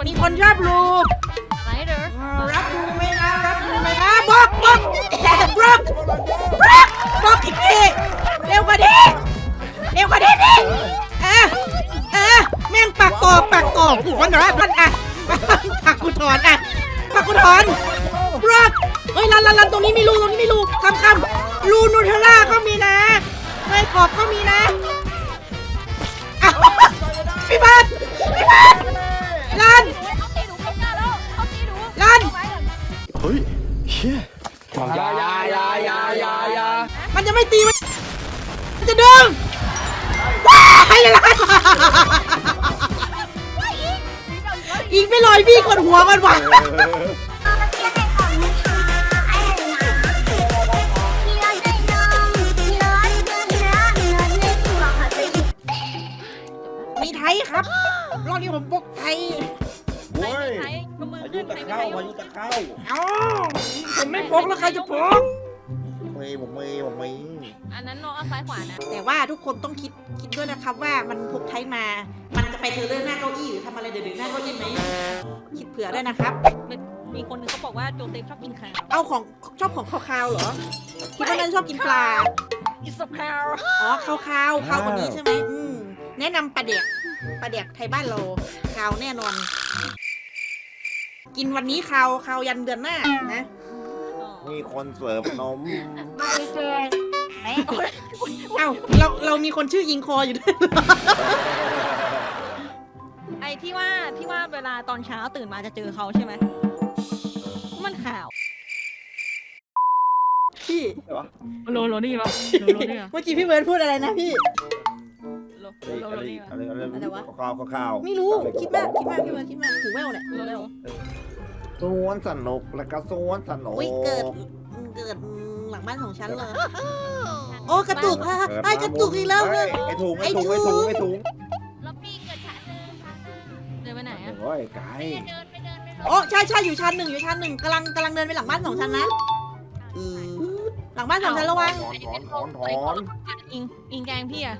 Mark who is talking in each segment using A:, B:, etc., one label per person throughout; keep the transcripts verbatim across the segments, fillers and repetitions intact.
A: มีคนชอบรู
B: อะไรเด้อ
A: รับรูไหมนะรับรูไหมนะบล็อกบล็อกบล็อกบล็อกบล็อกอีกทีเร็วกว่านี้เร็วกว่านี้ดิเออเออแม่งปากกอกปากกอกหัวหนาท่านอ่ะปากกูถอนอ่ะปากกูถอนบล็อกเฮ้ยลันลันลันตรงนี้มีรูตรงนี้มีรูคำคำรูนูเทลล่าก็มีนะเนยกรอบก็มีนะอ้าวพี่บัสพี่บัสลัน
B: เขาตีหนูไม่กล้าแล้วเขาตีหนู
A: ลัน
C: เฮ้ยเชี่ย
D: ยายายายายายา
A: มันจะไม่ตีมันมันจะดึงว้ายเลยล่ะอีกไม่ลอยพี่กดหัวมันว่ะมีไทยครับรอบนี้ผมบกไทย
D: โว้ย
B: ใครก็มือ
D: พายุ
B: ขึ้น
D: ตะ
B: ใคร
D: เข้า
B: ไม่
D: พายุตะเข้า
A: เอ้าผมไม่พกแล้วใครจะพก
D: ผมมีผมมีผมมี
B: อันนั้นน้องเอาซ้ายขวานะ
A: แต่ว่าทุกคนต้องคิดคิดด้วยนะครับว่ามันพกไทยมา มันจะไปเทเลอร์หน้าเก้าอี้หรือทำอะไรเดือดๆหน้าเก้าอี้ไหมคิดเผื่อด้วยนะครับ
B: มีคนนึงเขาบอกว่าโจเซฟชอบกินข้าว
A: เอาของชอบของคาวๆเหรอคิดว่านั่นชอบกินปลา
B: อิสคาว
A: อ๋อคาวคาวคาวกว่านี้ใช่ไหมอืมแนะนำปลาเด็กปลาเด็กไทยบ้านเราคาวแน่นอน กินวันนี้คาวคาวยันเดือนหน้านะ
D: มีคนเสิร์ฟนม
A: เอ้าเราเรามีคนชื่ออิงคออยู่ด้วย
B: ไอ้ที่ว่าที่ว่าเวลาตอนเช้าตื่นมาจะเจอเขาใช่ไหมมันข่าว
A: พี่
D: ใช่ปะ
B: โลโลนี่ปะโลโลนี่
A: เมื่อกี้พี่เบิร์ดพูดอะไรนะพี่
B: โล
D: เฮ้ย
B: โล
D: อะไร
B: นี่
D: อะไรอะไร
A: อะไรวะ
D: ข้าวข้าว
A: ไม่รู้คิดมากคิดมากพี่เบิร์ดคิดมากหูแว่วเนี่ยหูแว่ว
D: สวนสนุกแล้วก็สวนสนุก
A: อุ้ยเกิดเกิดหลังบ้านของฉันเลยโอ้กระตุกอ่ะไอ้กระตุกอีกแล้ว
D: เฮ้ยไอ้ถุงไอ้ถุงไอ้ถุงไอ้ถุง
B: ล็อบบี้เกิดชั้นหนึ่งเดินไปไหนอะ
D: โอ้ยไก่
B: เดินไปเดินไป
A: โอ้ใช่ใช่อยู่ชั้นหนึ่งอยู่ชั้นหนึ่งกำลังกำลังเดินไปหลังบ้านของฉันนะอือหลังบ้านของฉันระวัง
D: ถอนถอนถอนถอน
B: อิงอิงแกงพี่อะ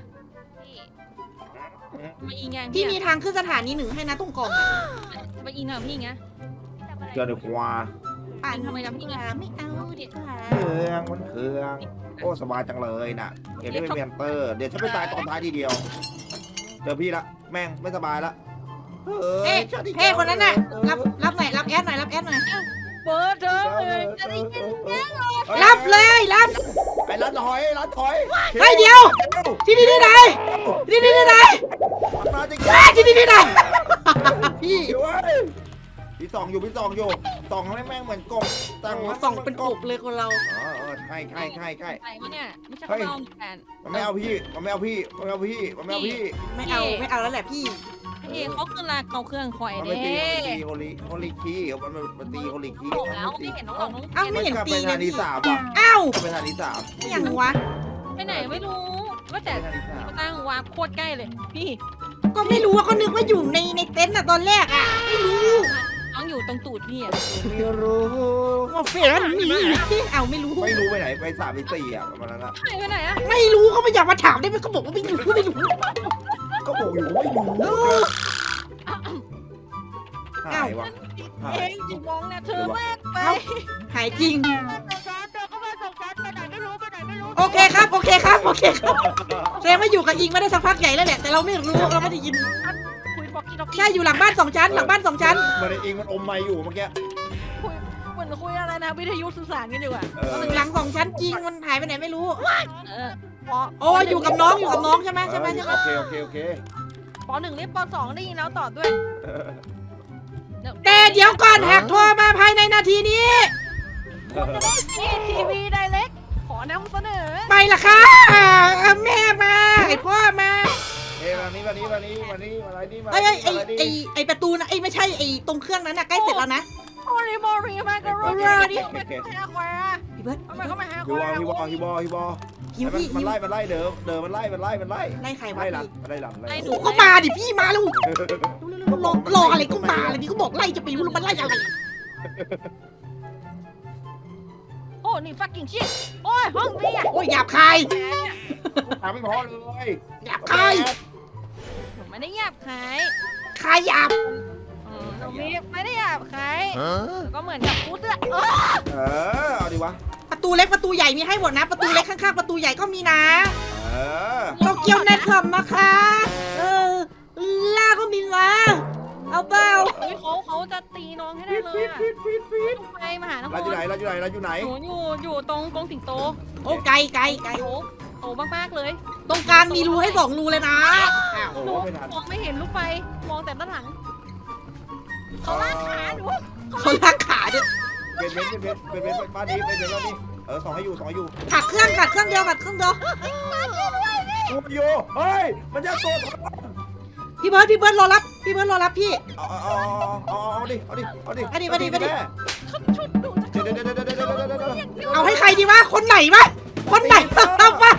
B: มาอิงแกง
A: พี่
B: พี่
A: มี
B: อะ
A: ทางขึ้นสถานีหนึ่งให้นะตรงกล่องอะ
B: มาอิงกับพี่ไง
D: เจอเด็กกว่า
A: ปั่น
B: ทำไมทำพี่ไง
A: ไม่เอาเด็ดขา
D: เครื่องมันเครื่องโอ้สบายจังเลยน่ะเห็นได้เป็นเมนเตอร์เดี๋ยวฉันไปตายตอนท้ายทีเดียว เจอพี่ละแม่งไม่สบายละ
A: เฮ้เฮ้คนนั้นน่ะรับรับหน่อยรับแอดหน่อยรับแอดหน่อย
B: เปิดเถอะเลยจะได้ยิน
A: รับเลยรับ
D: ไอ้รัดถอยรัดถอย
A: เฮ้ยเดี๋ยวที่นี่ที่ไหนที่นี่ที่ไหน
D: มาจริง
A: เฮ้ยที่นี่ที่ไหนพี่
D: ๆอยู่เว้ยพี่สองอยู่พี่สองอยู่สองให้แม่งเหมือนกบตั้ง
A: ส่องเป็นกบเลยคนเรา
D: อ๋อเออใช่ใช่ใช่ใช่
B: ใครวะเนี่ยไม่ใช่
D: เฮ้ย
B: เราแฟน
D: มันไม่เอาพี่ มันไม่เอาพี่ มันไม่เอาพี่ มันไม่เอาพี่
A: ไม่เอาไม่เอาแล้วแหละพี่
B: พี่เขาคือลาเขาเครื่องคอย
D: มัน
B: เด้
D: ไม่ตีมันตีโฮลิโฮลิคีมันมันตีโฮลิคี
B: บอกแล้วไม่เห็นน้องหลอกน้อง
A: เอ้าไม่เห็น
D: กลับ
A: ตี
D: ไป
A: เล
D: ทาย ง
A: พี่
D: ที่สามว่ะ
A: เอ้าก
D: ลับไปทางที่สาม
A: อย่างวะ
B: ไปไหนไม่รู้ว่าแต่
D: ไปทางที่สาม
B: ตั้งวาร์ปโคตรใกล้เลย พี่
A: ก็ไม่รู้ว่าเขานึกว่าอยู่ในในเต็นท์อะตอนแรกอะไม่รู้
B: น้องอยู่ตรงตูดพี่อะ
D: ไม่รู้
A: ว่าเฟรนมีเอาไม่รู้
D: ไม่รู้ไปไหน ไปสามไปสี่อ่ะประมาณนั้นอ่ะ
B: หายไปไหนอะ
A: ไม่รู้เขาไม่อยากมาถามได้ไหมเขาบอกว่าไม่รู้ไม่รู้
D: ก็บอกอยู่ว่าไม่รู้หายว่ะหาย
B: เองจิมองเนี่ยเธอแม่ไป
A: หายจริง
B: ส่งช้าเธอก็มาส่งช้าไปไหนไม่รู้ไปไหนไม่รู้
A: โอเคครับโอเคครับโอเคครับแสดงว่าอยู่กับอิงไม่ได้สักพักใหญ่แล้วแหละแต่เราไม่รู้เราไม่ได้ยิน
B: คุยบอกกี้ดอกกี้
A: ใช่อยู่หลังบ้านสองชั้นหลังบ้านสองชั้น
D: มันเองมันอมไม้อยู่เมื่อกี้
B: คุยเหมือนคุยอะไรนะวิทยุสื่อสารกันอยู่อะ
D: เออ
A: หลังสองชั้นจริงมันหายไปไหนไม่รู้
B: เออปอ
A: โอ้อยู่กับน้องอยู่กับน้องใช่ไหมใช่ไหมใช่ไหม
D: โอเคโอเคโอเค
B: ปอหนึ่งเรียกปอสองได้ยินแล้วตอบด้วย
A: แต่เดี๋ยวก่อนหากโทรมาภายในนาทีนี้
B: นี่ทีวีไดเล็กขอนำเสนอ
A: ไปละค่ะแม่มาไอพ่อมา
D: เอ้ยวันนี้วันนี้วันนี้วันนี้อะไรนี่มา
A: ไอ้ไอ้ไอ้
D: อะไรนี่
A: ไอ้ไอ้ประตูนะไอ้ไม่ใช่ไอ้ตรงเครื่องนั้นน่ะใกล้เสร็จแล้วนะ
B: โอริโมริมาการโรนีดิทำไมเขามาหาควายอะ
A: พี่เบิร์ด
B: ทำไมเขามาหาค
D: ฮิว
B: วาย
D: บอฮิวบอฮิวบอฮิวบอ
A: หิว
D: มัน
A: พี่
D: มัน
A: หิว
D: ไล่มันไล่เดิมเดิมมันไล่มันไล่มันไล่
A: ไล่ใครวะ
D: ไล่หลัง
A: พี่
D: ไล่หลังไล่
A: โอ้เขามาดิพี่มาแล้วรอรออะไรก็มาเลยดิเขาบอกไล่จะไปรู้แล้วมันไล่อะไร
B: โอ้นี่ fucking shit โอ้ยห้องเบียร์
A: โอ้ยหยาบคาย
D: ถามไม่พอเลย
A: หยาบคาย
B: ผมไม่ได้หยาบขาย
A: คายหยาบ
B: อืมเรามีกับใครก็เหมือนกับพุทธอะเออ
D: เออเอาดิวะ
A: ประตูเล็กประตูใหญ่มีให้หมดนะ ประตูเล็กข้างๆประตูใหญ่ก็มีนะ
D: เออ
A: โตเกียวในคลับนะคะเออล่าก็มีนะเอาเปล่า
B: เฮ้ยเขาเขาจะตีน้องให้ได้เลยอะไปมาหาน้อง
D: เราอยู่ไหนเราอยู่ไหนเราอยู่ไหน
B: หนูอยู่อยู่ตรงกรงสิงโต
A: โอ้ไกลไกลไกล
B: โอ้โตมากๆเลย
A: ตรงกลางมีรูให้สองรูเลยนะอ้าว
D: โอ้
B: หนู
D: ไม่ทัน
B: มองไม่เห็นลูกไฟมองแต่ด้านหลังเขาลากขาหนู
A: เขาลากขาด้วย
D: เป็นเบนเป็นเบนเป็นเบนบ้านนี้เป็นเบนบ้านนี้เออสองให้อยู่สองให้อยู่
A: ขัดเครื่องขัดเครื่องเดียวขัดเครื่องเดียว
D: กูโยเฮ้ยมันจะโต
A: พี่เบิร์ดพี่เบิร์ดรอรับพี่เบิร์ดรอรับพี่
D: เอาเอาเอาเอาเอาดิเอาดิเอาดิ
A: เอาดิเอาดิเอาดิ
B: ชุดหนูจะ
D: เดี๋ยวเดี๋ยวเดี๋ยวเดี๋ยวเดี๋ยวเดี๋ยวเดี๋ยว
A: เอาให้ใครดีวะคนไหนวะคนไหนรับวะ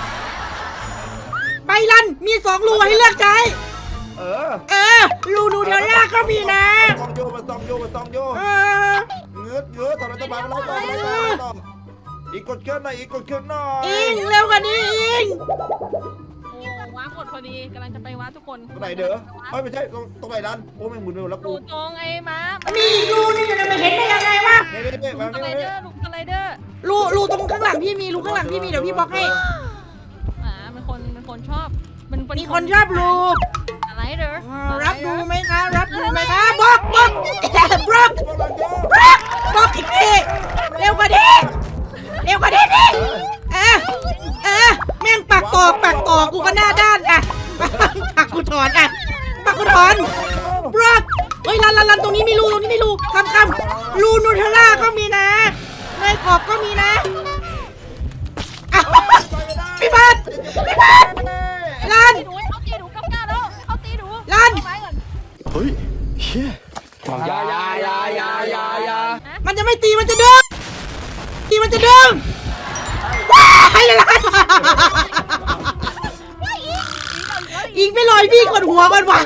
A: ใบลันมีสองรูให้เลือกใช้
D: เออ
A: เออรูนูเทลล่าก็มีนะ
D: ซองโยมันซองโยมันซองโย
A: เออ
D: เงื้อเงื้อตอนนั้นจะมาแล้วต่อแล้วต่ออีกกดเครื่องหน่อยอีกกดเครื่องหน่อย
A: อิงเร็วกว่านี้อิง
B: โอ้ว้าหมดพอดีกำลังจะไปว้าทุกคน
D: ตรงไหนเด้อเฮ้ยไม่ใช่ตรงตรงไหนดันโอ้แม่งหมุนไปหมดแล้ว
B: ดู
D: กู
B: ตรงไอ้ม้า
A: มีอีกรูนึงจะไม่เห็นได้ยังไงวะ
D: เนี่ยเนี่ยเนี่ย
B: ลุ
D: แบบ
B: งส
D: นี้
B: ไลเด
D: เนี่
B: อย ร์ลุงสไลเดอร์
A: รูรูตรงข้างหลังพี่มีรูข้างหลังพี่มีเดี๋ยวพี่บอกให้
B: อ่าเป็นคนเป็นคนชอบเป็นเป็
A: มีคนชอบรู
B: สไลเดอร์
A: อ่ารับดูไหมคะรับดูไหมคะบล็อกบล็อกบล็อก
D: พวกเราโย
A: บล็อกบล็อกอีกทีเร็วกว่านี้เร็วกว่านี้ดิเออเออแม่งปากตอกปากตอกกูก็หน้าด้านอ่ะปากกูถอนอ่ะปากกูถอนบล็อกเฮ้ยลันลันลันตรงนี้มีรูตรงนี้มีรูคำคำรูนูเทลล่าก็มีนะเนยกรอบก็มีนะอ้าวพี่บัสพี่บัสลัน
B: ตีหนูเขาตีหนูกับก้าแล้วเขาตีหนู
A: ลั่น
B: ไม้ก่อน
C: เฮ้ยเฮีย
E: อย่าอย่าอย่าอย่าอย่าอย่า
A: มันจะไม่ตีมันจะดึงตีมันจะดึงว้ายเลยล่ะอิงไปลอยพี่กดหัวก่อนวะ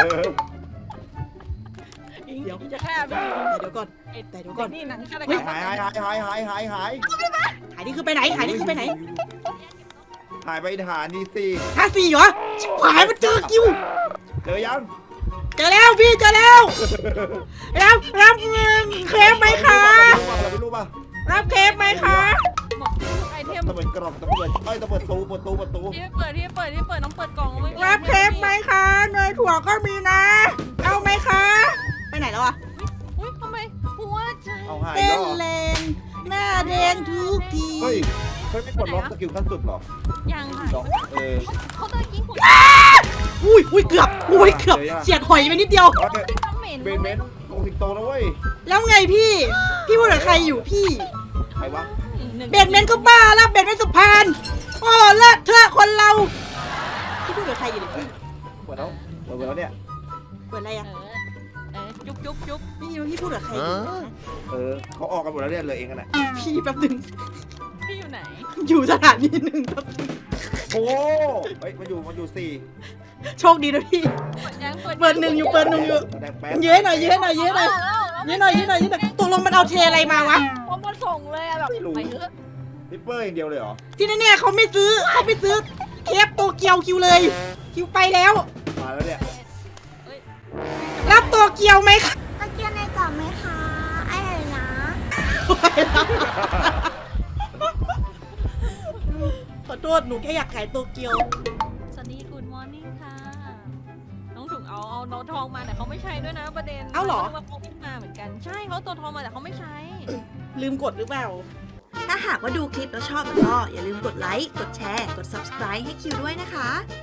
A: เดี๋ยว
B: จะแค่ไป
A: เดี๋ยวก่อนแต่เดี๋ยวก่อน
B: นี่หนังฆาตกร
D: หายหายหายหายหายหายหาย
A: หายนี่คือไปไหนหายนี่คือไปไหน
D: หายไปฐานนี่สิ
A: ห้าสี่เหรอชิบหายมันเจอคิว
D: เจอยัง
A: เจอแล้วพี่เจอแล้วรับรับเงินเครปไหมคะ
D: เราไม่รู้ป่ะ
A: รับเครปไหมคะ
B: หมดทุกไอเทม
D: ตะเปิดกล่องตะเปิดเอ้ยตะเปิดตู้เปิดตู้เปิดตู้
B: ที่เปิดที่เปิดที่เปิดน้องเปิดกล่องไม่มี
A: รับเครปไหมคะเนยถั่วก็มีนะ เอาไหมคะไปไหนแล้วอะ
B: อุ้ยทำไมหัวใจ
D: เอาหาย
A: เต้
D: แล้
A: น
D: ว
A: เลงหน้าแดงทุกที
D: เฮ้ยเฮ้ยไม่กดล็อกสกิลขั้นสุดหรอ
B: ยังค่ะ
D: เออ
B: เขาเตอร์กิ้งผม
A: อุ้ยอุ้ยเกือบอุ้ยเกือบเฉียดหอยไปนิดเดียว
B: ต้องเหม็น
D: เบนเบนโกงสิงโตนะเว้ย
A: แล้วไงพี่ พี่พูดกับใครอยู่พี่
D: ใครวะ
A: เบนเมนก็บ้าแล้วเบนเมนสุพานโอ้เลิศเธอคนเรา พี่พูดกับใครอยู่เนี่ยพี่
D: เปิดแล้วเปิดแล้วเนี่ย
A: เปิดอะไร
B: เอ
A: อ่ะ
B: อเออจุ๊บจุ๊บจุ๊บ
A: พี่พี่พูดกับใครอยู่นะ
D: เออเขาออกกันหมดแล้วเนี่ยเหลยเองกันน่ะ
A: พี่แป๊บหนึง
B: พี่อยู่ไหน
A: อยู่สถานีหนึ่งแป๊บนึง
D: โอ้เฮ้ยมาอยู่มาอยู่สี่
A: โชคดีนะพี่
B: ยัง
A: เปิดหนึ่งอยู่เปิดหนึ่งอยู่
D: แดงแป๊ด
A: เย้หน่อยเย้หน่อยเย้หน่อยเย้หน่อยเย้หน่อยเย้หน่อยตกลงมันเอาเทอะไรมาวะ
B: ผมมาส่งเลยอะแบบไปเถอะ
D: นิปเปอร์อย่างเดียวเลยเหรอ
A: ที่แน่ๆเขาไม่ซื้อเขาไม่ซื้อเคปโตเกียวคิวเลย คิวไปแล้ว
D: มาแล้วเนี่ย
A: รับโตเกียวไหมคะ
F: ตะเกียบในกล่องไหมคะไอ้ไหนนะ
A: ขอโทษหนูแค่อยากขายโตเกียว
B: สวัสดีคุณมอร์นิ่งค่ะน้องถุงเอาเอาโน้ตทองมาแต่เขาไม่ใช้ด้วยนะประเด็นว่าเขาไม่มาเหมือนกันใช่เขาตัวทองมาแต่เขาไม่ใช้
A: ลืมกดหรือเปล่า
F: ถ้าหากว่าดูคลิปแล้วชอบแล้วก็อย่าลืมกดไลค์ กดแชร์ กด ซับสไครบ์ ให้คิวด้วยนะคะ